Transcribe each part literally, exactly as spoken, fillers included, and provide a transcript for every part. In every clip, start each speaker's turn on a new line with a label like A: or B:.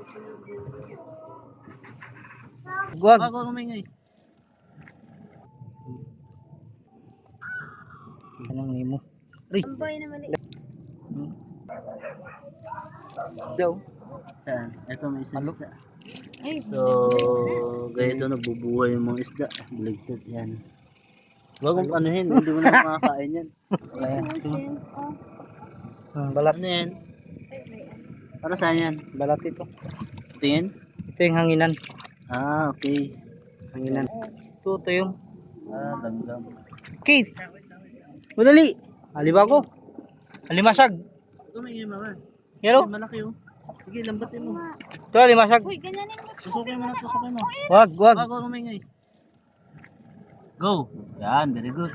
A: Guwag.
B: Wag ko umingay.
A: Anong nimo? Ri.
C: Tambay na mali.
A: Daw.
B: Yan. Ito may isang
A: Halo.
B: isda.
C: Ay,
B: So, ganito nabubuhay yung mga isda. Baligtad yan. Wag mong anuhin, hindi mo na makakain yan.
A: Ayan.
C: sense of
A: Hmm, balat.
B: Ano yan? Para saan yan?
A: Balat ito.
B: Tingin?
A: Ito yung hanginan.
B: Ah, okay.
A: Hanginan. Ito, ito yung.
B: Ah, langgam.
A: Okay. Madali. Alibago. Alimasag.
B: Ito may ingin mama.
A: Yero.
B: Ay, malaki oh. Sige, lambatin mo.
A: Ito, alimasag.
C: uy, ganyanin mo.
B: Tusukin mo na, tusukin mo.
A: Wag, wag.
B: Wag ko umingay. Go. Yan, very good.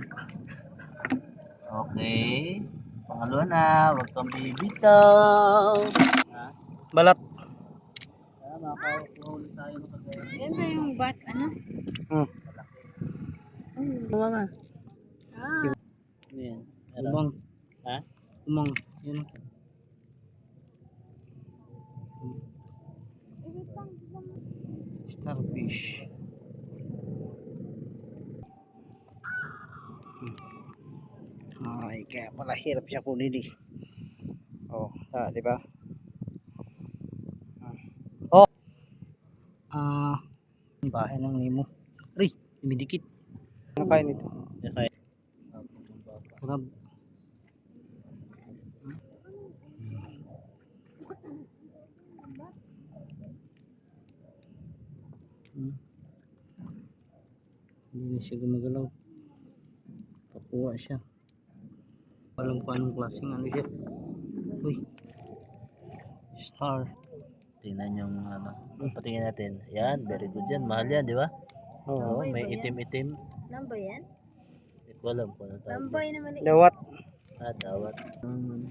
B: Okay. Pangalawa na, wag kang bibitaw. Ha?
A: Balat.
B: Tama, makakahuli tayo ng kagaya.
C: Yan ba yung bat, ano?
A: Hmm.
B: Ano mama?
C: Ah,
B: Ano yan? Ano?
A: Umang.
B: Ha?
A: Umang. Yan. Starfish. Ay, kaya pala hirap siya kunin eh. Oh, ah, di ba? Ah. Oh. Ah, bahay ng Nemo. Ri, dumidikit. Ano kain ito?
B: Okay.
A: Crab. Hmm. Hindi na siya gumagalaw. Pakuha siya. Alam ko anong klaseng ano siya. Uy. Star.
B: Tingnan yung ano. Patingin natin. Yan, very good yan. Mahal yan, di ba? Oo, may itim-itim.
C: nambay yan?
B: Hindi ko alam kung ano tawag.
C: Nambay na mali.
A: Dawat.
B: Ah, dawat. Hmm.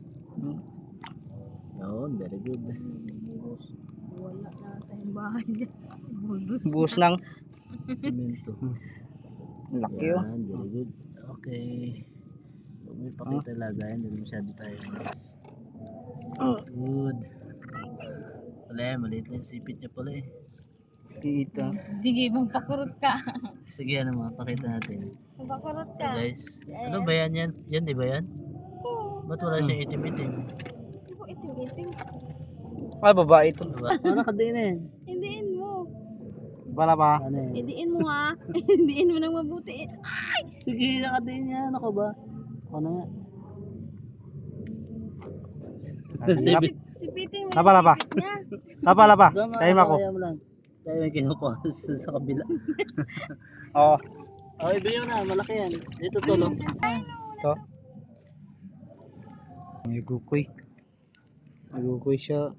B: Yun, very good.
C: Wala na tayong bahay dyan. Budos.
A: Buhos ng
B: Simento.
A: laki oh.
B: Yan, very good. Okay. Huwag mo ipakita lagayan. Hindi masyado tayo. Good. Wala yan, maliit lang yung sipit niya pala eh.
A: Dito.
C: Sige, magpakurot ka.
B: Sige, ano mga, pakita natin.
C: Magpakurot
B: So
C: ka.
B: guys, ano ba yan yan? Yan, di ba yan? Ba't wala siyang itim-itim?
C: Hindi ko itim-itim.
A: Ay, babae ito.
B: Diba? Ano ka din eh?
C: Hindiin mo.
A: Bala pa.
B: Ano eh?
C: Hindiin mo ha. Hindiin mo nang mabuti. Ay!
B: Sige, nakadiin yan. Ako ba? Ano nga?
A: Lap.
C: Sipitin mo
A: Lapa, lapa.
C: sipit niya.
A: Lapa, lapa.
B: Tama,
A: Time ako.
B: kaya mo lang. Tayo may kinukuha sa, sa kabila.
A: Oo.
B: Oh, ibiyo na. Malaki yan. Dito to, no?
A: Ito. Nagukoy. Nagukoy siya.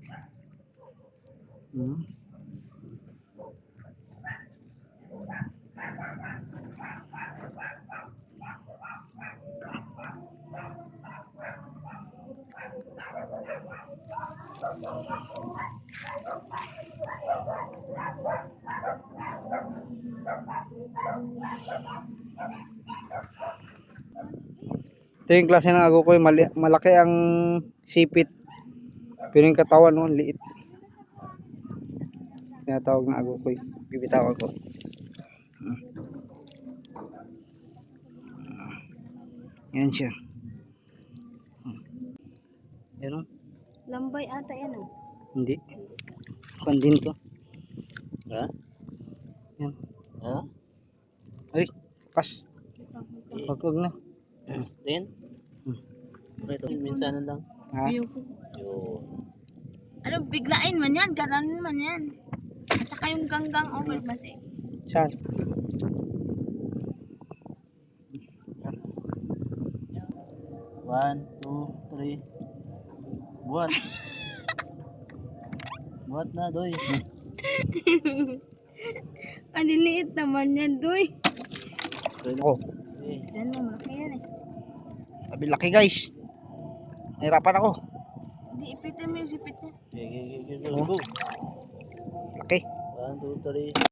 A: Hmm. Ito yung klase ng agukoy, mali malaki ang sipit. Pero yung katawan no, liit. Tinatawag na agukoy. Bibitawan ko. Yan siya. Yan o.
C: Lambay ata yan oh.
A: Hindi. Pandin to.
B: Ha?
A: Yan.
B: Ha?
A: Ay, pas. Wag wag na.
B: Din?
A: Hmm.
B: Okay, ito. Minsanan lang.
A: Ha?
C: Ayoko.
B: Yun.
C: Ano, biglain man yan. Gananin man yan. At saka yung ganggang over mas eh.
A: Saan?
B: One, two, three. Buhat. Buhat na, doy.
C: Ang liliit naman yan, doy.
A: Oh,
B: Okay.
C: Yan mo, malaki yan eh.
A: sabi laki guys. Nahirapan ako.
C: Hindi, ipitin mo yung sipit niya.
B: Okay, okay, okay, go.
A: Laki.
B: One, two, three.